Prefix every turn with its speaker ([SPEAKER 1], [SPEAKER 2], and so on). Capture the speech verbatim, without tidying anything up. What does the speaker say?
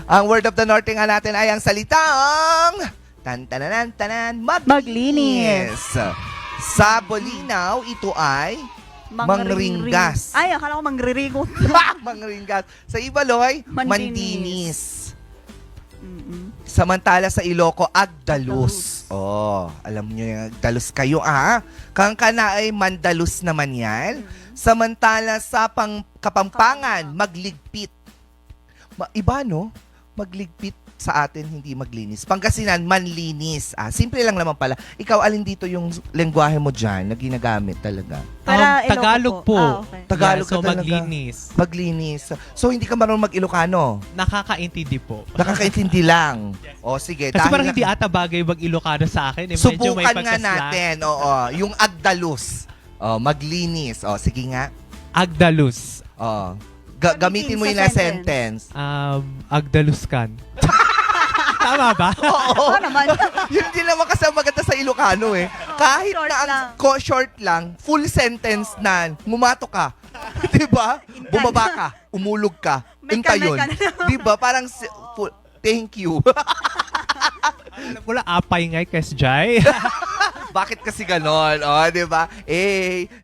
[SPEAKER 1] Ang word of the Norte nga natin ay ang salitang tan-tananan tanan maglinis.
[SPEAKER 2] Maglinis.
[SPEAKER 1] Sa Bolinaw, ito ay mangringgas.
[SPEAKER 2] Ay, akala ko mangririgot.
[SPEAKER 1] Mangringgas. Sa Ibaloy,
[SPEAKER 2] Mandinis.
[SPEAKER 1] mandinis.
[SPEAKER 2] Mm-mm.
[SPEAKER 1] Samantala sa Iloco, Agdalus. Oh, alam niyo yung Agdalus kayo ah. Kang kana ay Mandalus naman yan. Samantala sa pang Kapampangan, magligpit. Ma- iba no? Magligpit sa atin, hindi maglinis. Pangasinan, manlinis. Ah, simple lang naman pala. Ikaw, alin dito yung lengguwahe mo dyan na ginagamit talaga?
[SPEAKER 2] Para
[SPEAKER 3] Um, Tagalog
[SPEAKER 2] Ilocos
[SPEAKER 3] po.
[SPEAKER 2] Ah, okay.
[SPEAKER 1] Tagalog
[SPEAKER 3] Yeah, so
[SPEAKER 1] ka talaga.
[SPEAKER 3] maglinis.
[SPEAKER 1] Maglinis. So, hindi ka marunong mag-Ilocano?
[SPEAKER 3] Nakakaintindi po.
[SPEAKER 1] Nakakaintindi lang. O, sige.
[SPEAKER 3] Kasi
[SPEAKER 1] dahil
[SPEAKER 3] parang
[SPEAKER 1] na-
[SPEAKER 3] hindi ata bagay mag-Ilocano sa akin. Eh. Medyo may
[SPEAKER 1] Subukan nga
[SPEAKER 3] pagkaslang.
[SPEAKER 1] natin. Oo, yung Agdalus. Oh, maglinis. Oh, sige nga.
[SPEAKER 3] Agdalus.
[SPEAKER 1] Oh. Ga- gamitin mo
[SPEAKER 2] Sa
[SPEAKER 1] yung na
[SPEAKER 2] sentence.
[SPEAKER 1] sentence.
[SPEAKER 3] Um, Agdaluskan. Tama ba?
[SPEAKER 1] Oo.
[SPEAKER 2] Oo naman.
[SPEAKER 1] Yun din naman kasi ang maganda sa Ilocano eh. Kahit
[SPEAKER 2] short
[SPEAKER 1] na ang
[SPEAKER 2] lang.
[SPEAKER 1] ko- short lang, full sentence na, mumato ka. Diba? Bumaba ka. Umulog ka.
[SPEAKER 2] May
[SPEAKER 1] Inta
[SPEAKER 2] ka- may
[SPEAKER 1] yun.
[SPEAKER 2] ka na.
[SPEAKER 1] Diba? Parang, si- full, thank you.
[SPEAKER 3] Alam ko lang, apay nga, Kes Jai.
[SPEAKER 1] Bakit kasi ganon? O, diba? Eh,